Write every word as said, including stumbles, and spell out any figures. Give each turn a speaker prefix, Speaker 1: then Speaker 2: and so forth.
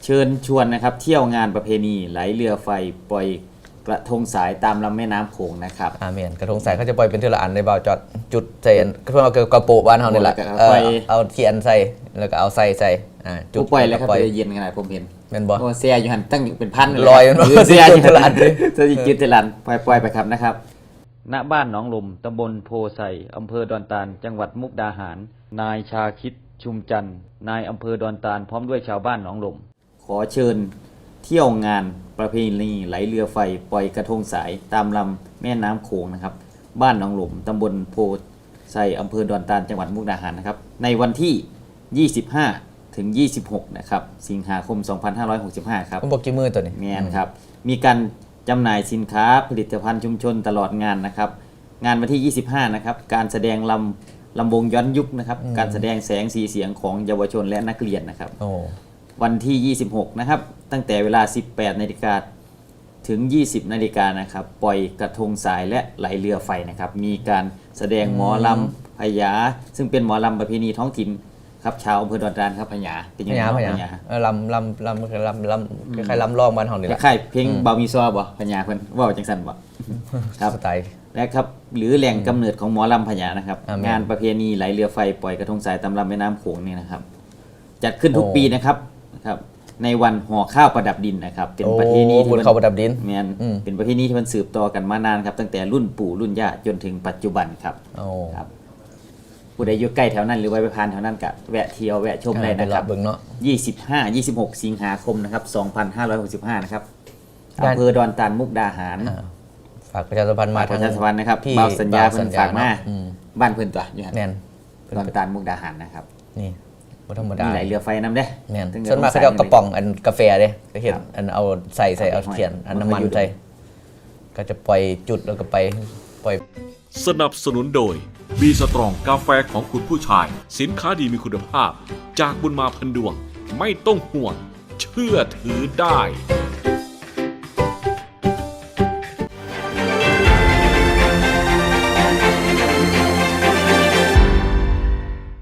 Speaker 1: เชิญชวนนะครับเที่ยวงานประเพณีไหลเรือไฟปล่อยกระทงสายตามลำแม่น้ำโขงนะครับ
Speaker 2: อาเมียนกระทงสายเขาจะปล่อยเป็นเทละอันในเบาจอดจุดใส่เพื่อเอากระโปะบ้านเขาเนี่ยแหละเอาเทียนใส่แล้วก็เอาใส่ใส่อ่า
Speaker 1: จุดปล่อยแล้วครับไปเย็นกันหน่อยผมเห็น
Speaker 2: เป็นบอ
Speaker 1: โอ้เสียอยู่หันตั้งเป็นพัน
Speaker 2: ลอย
Speaker 1: เสียอยู่เทละอันเสียจุดเทละอันปล่อยปล่อยไปครับนะครับณบ้านหนองลมตำบลโพไซอำเภอดอนตาลจังหวัดมุกดาหารนายชาคิดชุมจันทร์นายอำเภอดอนตาลพร้อมด้วยชาวบ้านหนองลมขอเชิญเที่ยวงานประเพณีไหลเรือไฟปล่อยกระทงสายตามลำแม่น้ำโขงนะครับบ้านหนองหลุมตำบลโพไซอำเภอดอนตาลจังหวัดมุกดาหารนะครับในวันที่ยี่สิบห้าถึงยี่สิบหกนะครับสิงหาคมสองพันห้าร้อยหกสิบห้าครับ
Speaker 2: ผมบอกกี่มือตัวนี้
Speaker 1: แม่นครับมีการจำหน่ายสินค้าผลิตภัณฑ์ชุมชนตลอดงานนะครับงานวันที่ยี่สิบห้านะครับการแสดงลำลำวงย้อนยุคนะครับการแสดงแสงสีเสียงของเยาวชนและนักเรียนนะครับวันที่ยี่สิบหกนะครับตั้งแต่เวลา สิบแปดนาฬิกา ถึง ยี่สิบนาฬิกานะครับปล่อยกระทงสายและไหลเรือไฟนะครับมีการแสดงหมอลำพญาซึ่งเป็นหมอลำประเพณีท้องถิ่นครับชาวอำเภอดอนตาลครับพญา
Speaker 2: เป็นยังไงพญาลำลำลำลำลำคล้ายๆลำร้องบ้านเฮานี่แหละ
Speaker 1: คล้ายๆเพลงเบามีซอบ่พญาเพิ่นเว้าจังซั่นบ่
Speaker 2: ครับสไตล์
Speaker 1: และครับหรือแหล่งกำเนิดของหมอลำพญานะครับงานประเพณีไหลเรือไฟปล่อยกระทงสายตามลำแม่น้ำโขงนี่นะครับจัดขึ้นทุกปีนะครับครับในวันห่อข้าวประดับดินนะครับเป็นประเพณีที่
Speaker 2: มันข้าวประดับดิน
Speaker 1: แม่นเป็นประเพณีที่มันสืบต่อกันมานานครับตั้งแต่รุ่นปู่รุ่นย่าจนถึงปัจจุบันครับครับผู้ใดอยู่ใกล้แถวนั้นหรือว่าไปผ่านแถวนั้นก็แวะเที่ยวแวะชมได้นะครับยี่สิบห้า ยี่สิบหกสิงหาคมนะครับสองพันห้าร้อยหกสิบห้านะครับอำเภอดอนตาลมุกดาหาร
Speaker 2: ฝากประชาสัมพันธ์มา
Speaker 1: ประชาสัมพันธ์นะครับเบาสัญญาเพิ่นฝากมาบ้านเพิ่นตัวอยู่หั่นดอนตาลมุกดาหารนะครับ
Speaker 2: นี่บ่ธรรมดา
Speaker 1: มีไหลเรือไฟนำเด้
Speaker 2: แม่นส่วนมากเขาจะเอากระป๋องอันกาแฟเด้ก็เห็นอันเอาใส่ใส่เอาเทียนอันน้ำมันใส่ก็จะปล่อยจุดแล้วก็ไปปล่อย
Speaker 3: สนับสนุนโดยบีสตรองกาแฟของคุณผู้ชายสินค้าดีมีคุณภาพจากบุญมาพันดวงไม่ต้องห่วงเชื่อถือได้